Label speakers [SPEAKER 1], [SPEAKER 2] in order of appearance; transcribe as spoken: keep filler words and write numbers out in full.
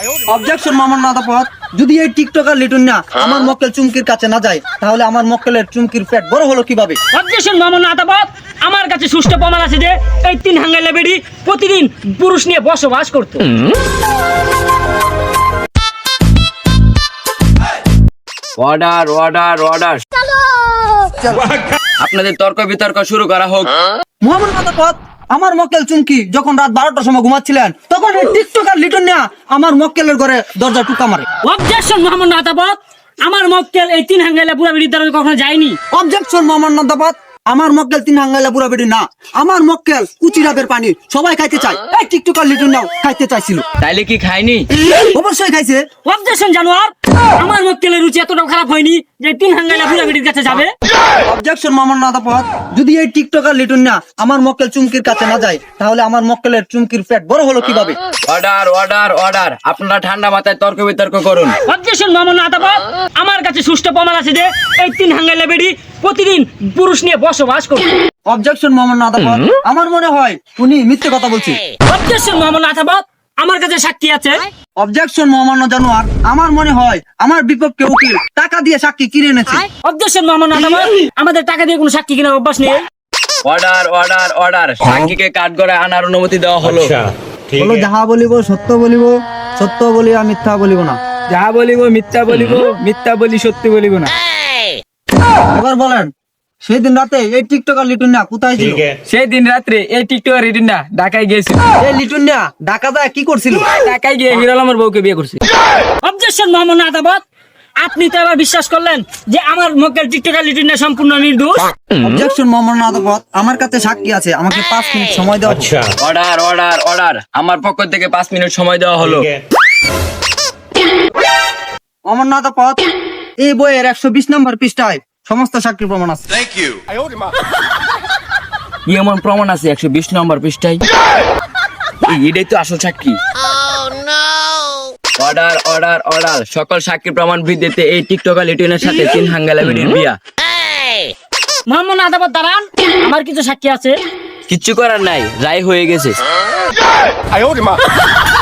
[SPEAKER 1] Objection Mamun আদালত, যদি এই টিকটকার লিটন না আমার মক্কেল চুমকির কাছে না যায় তাহলে আমার মক্কেলের চুমকির পেট বড় হলো কিভাবে?
[SPEAKER 2] অবজেকশন মামুন আদালত, আমার কাছে সুষ্ঠু প্রমাণ আছে যে এই তিন হাঙ্গাইলা বেডি প্রতিদিন পুরুষ নিয়ে বসবাস করতো।
[SPEAKER 3] অর্ডার অর্ডার অর্ডার আপনাদের তর্ক বিতর্ক শুরু করা হোক।
[SPEAKER 1] মামুন আদালত, আমার মক্কেল চুমকি যখন রাত বারোটার সময় ঘুমাচ্ছিলেন তখন এই টিকটকার লিটন না আমার মক্কেলের ঘরে দরজা টুকা মারে।
[SPEAKER 2] অবজেকশন মামুন আদালত, আমার মক্কেল এই তিন হাঙ্গাইলা বুড়া বেডির দ্বারা কখনো যায়নি।
[SPEAKER 1] অবজেকশন মামুন আদালত, আমার মক্কেল তিন হাঙ্গাইলা বুড়া বেডি না, আমার মক্কেল কুচিরাবের পানি সবাই খাইতে চায়, এই টিকটকার লিটন নাও খাইতে চাইছিল।
[SPEAKER 3] তাইলে কি খায়নি?
[SPEAKER 1] অবশ্যই খাইছে।
[SPEAKER 2] অবজেকশন জানোয়ার, আমার মক্কেলের রুচি এতটাও খারাপ হয়নি যে তিন হাঙ্গাইলা বুড়া বেডির কাছে যাবে।
[SPEAKER 1] অবজেকশন মামুন আদালত, যদি এই টিকটকার লিটন না আমার মক্কেল চুমকির কাছে না যায় তাহলে আমার মক্কেলের চুমকির পেট বড় হলো কিভাবে?
[SPEAKER 3] অর্ডার অর্ডার অর্ডার আপনারা ঠান্ডা মাথায় তর্ক বিতর্ক করুন।
[SPEAKER 2] অবজেকশন মামুন আদালত, আমার কাছে সুষ্ঠু প্রমাণ আছে যে এই তিন হাঙ্গাইলা বেডি প্রতিদিন পুরুষ নিয়ে বসবাস করতো।
[SPEAKER 1] অবজেকশন মামুন আদালত, আমার মনে হয় উনি মিথ্যে কথা বলছে।
[SPEAKER 2] অবজেকশন মামুন আদালত, আমার কাছে সাক্ষী আছে।
[SPEAKER 1] অবজেকশন মামুন জানোয়ার, আমার মনে হয় আমার বিপক্ষে উকিল টাকা দিয়ে সাক্ষী কিনে এনেছে।
[SPEAKER 2] অবজেকশন মামুন আদালত, আমাদের টাকা দিয়ে কোনো সাক্ষী কেনার অভ্যাস নেই।
[SPEAKER 3] অর্ডার অর্ডার অর্ডার সাক্ষীকে কাঠগড়ায় আনার অনুমতি দেওয়া হলো।
[SPEAKER 1] বলো, যাহা বলিব সত্য বলিব, সত্য বলিয়া মিথ্যা বলিব না।
[SPEAKER 4] যাহা বলিব মিথ্যা বলিব, মিথ্যা বলি সত্যি বলিব না।
[SPEAKER 1] এবার বলেন, সেই দিন রাতে এই টিকটকার লিটন না কোথায় ছিল?
[SPEAKER 4] সেই দিন রাত্রে এই টিকটকার রিটিনটা ঢাকায় গিয়েছিল।
[SPEAKER 1] এই লিটন না ঢাকা যায় কি করছিল?
[SPEAKER 4] ঢাকায় গিয়ে হিরো আলমের বউকে বিয়ে করছে।
[SPEAKER 2] অবজেকশন মামুন আদালত, আপনি তো এবার বিশ্বাস করলেন যে আমার মক্কেল টিকটকার লিটনটা সম্পূর্ণ নির্দোষ।
[SPEAKER 1] অবজেকশন মামুন আদালত, আমার কাছে সাক্ষী আছে, আমাকে পাঁচ মিনিট সময় দেওয়া হোক।
[SPEAKER 3] অর্ডার অর্ডার অর্ডার আমার পক্ষ থেকে পাঁচ মিনিট সময় দেওয়া হলো।
[SPEAKER 1] অমরনাথ পথ, এই বইয়ের একশো বিশ নম্বর পৃষ্ঠায় সমস্ত সাক্ষী প্রমাণ আছে।
[SPEAKER 3] কি এমন প্রমাণ আছে একশো বিশ নম্বর পৃষ্ঠায়? এই, এটাই তো আসল সাক্ষী। অর্ডার অর্ডার অর্ডার সকল সাক্ষী প্রমাণ ভিত্তিতে এই টিকটকার লিটনের সাথে তিন হাঙ্গাইলা বেডির বিয়া।
[SPEAKER 2] মামুন আদালত দাঁড়ান, আমার কিছু সাক্ষী আছে।
[SPEAKER 3] কিচ্ছু করার নাই, রায় হয়ে গেছে।